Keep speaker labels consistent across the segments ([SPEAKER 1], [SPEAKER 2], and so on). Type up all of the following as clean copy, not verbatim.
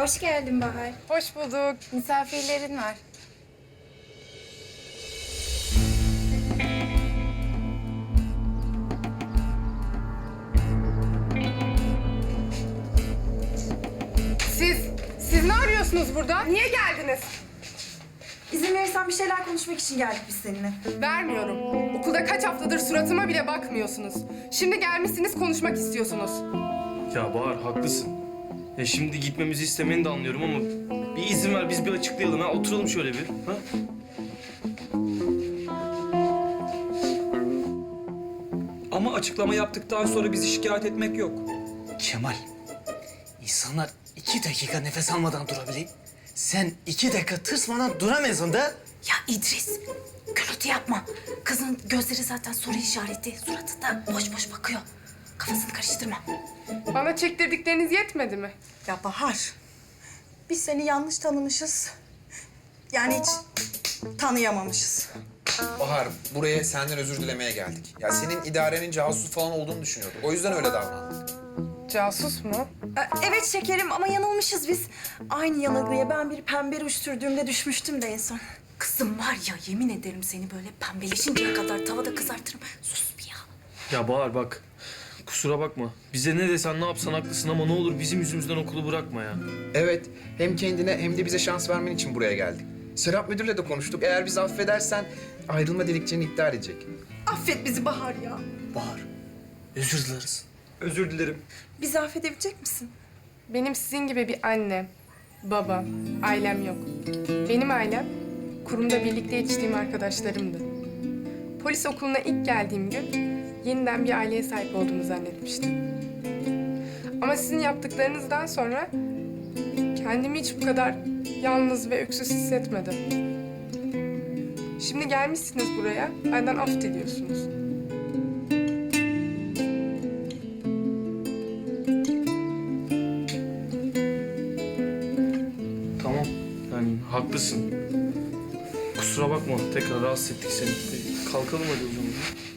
[SPEAKER 1] Hoş geldin Bahar.
[SPEAKER 2] Hoş bulduk.
[SPEAKER 1] Misafirlerin var.
[SPEAKER 2] Siz ne arıyorsunuz burada? Niye geldiniz?
[SPEAKER 3] İzin verirsen bir şeyler konuşmak için geldik biz seninle.
[SPEAKER 2] Vermiyorum. Okulda kaç haftadır suratıma bile bakmıyorsunuz. Şimdi gelmişsiniz konuşmak istiyorsunuz.
[SPEAKER 4] Ya Bahar haklısın. Ya şimdi gitmemizi istemeni de anlıyorum ama bir izin ver biz bir açıklayalım ha. Oturalım şöyle bir. Ha?
[SPEAKER 5] Ama açıklama yaptıktan sonra bizi şikayet etmek yok.
[SPEAKER 6] Kemal, insanlar 2 dakika nefes almadan durabilir. Sen 2 dakika tırsmadan duramıyorsun da.
[SPEAKER 3] Ya İdris, gürültü yapma. Kızın gözleri zaten soru işareti. Suratı da boş boş bakıyor. Kafasını karıştırma.
[SPEAKER 2] Bana çektirdikleriniz yetmedi mi?
[SPEAKER 3] Ya Bahar, biz seni yanlış tanımışız. Yani hiç tanıyamamışız.
[SPEAKER 7] Bahar, buraya senden özür dilemeye geldik. Ya senin idarenin casus falan olduğunu düşünüyorduk. O yüzden öyle davrandık.
[SPEAKER 2] Casus mu?
[SPEAKER 3] Evet şekerim ama yanılmışız biz. Aynı yanılgıya ben bir pembe ruj sürdüğümde düşmüştüm de en son. Kızım var ya, yemin ederim seni böyle pembeleşinceye kadar tavada kızartırım. Sus bir ya.
[SPEAKER 4] Ya Bahar bak. Kusura bakma. Bize ne desen ne yapsan haklısın ama ne olur bizim yüzümüzden okulu bırakma ya.
[SPEAKER 7] Evet, hem kendine hem de bize şans vermen için buraya geldik. Serap Müdür'le de konuştuk. Eğer bizi affedersen ayrılma dilekçeni iptal edecek.
[SPEAKER 3] Affet bizi Bahar ya.
[SPEAKER 6] Bahar, özür dileriz.
[SPEAKER 5] Özür dilerim.
[SPEAKER 3] Bizi affedebilecek misin?
[SPEAKER 2] Benim sizin gibi bir annem, babam, ailem yok. Benim ailem kurumda birlikte yetiştiğim arkadaşlarımdı. Polis okuluna ilk geldiğim gün yeniden bir aileye sahip olduğumu zannetmiştim. Ama sizin yaptıklarınızdan sonra kendimi hiç bu kadar yalnız ve öksüz hissetmedim. Şimdi gelmişsiniz buraya, benden af diliyorsunuz.
[SPEAKER 4] Tamam. Yani haklısın. Kusura bakma. Tekrar rahatsız ettik seni. Kalkalım hadi o zaman.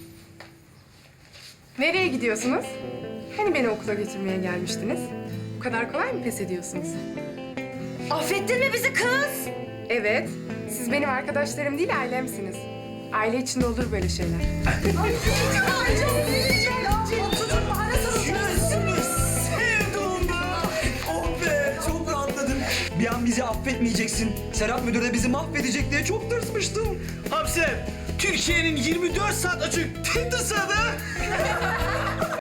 [SPEAKER 2] Nereye gidiyorsunuz? Hani beni okula götürmeye gelmiştiniz? Bu kadar kolay mı pes ediyorsunuz?
[SPEAKER 3] Affettin mi bizi kız?
[SPEAKER 2] Evet, siz benim arkadaşlarım değil, ailemsiniz. Aile içinde olur böyle şeyler.
[SPEAKER 5] Oh be, çok rahatladım. Bir an bizi affetmeyeceksin. Serap Müdür de bizi mahvedecek diye çok tırsmıştım.
[SPEAKER 6] Hamse, Türkiye'nin 24 saat açık tek tısadı.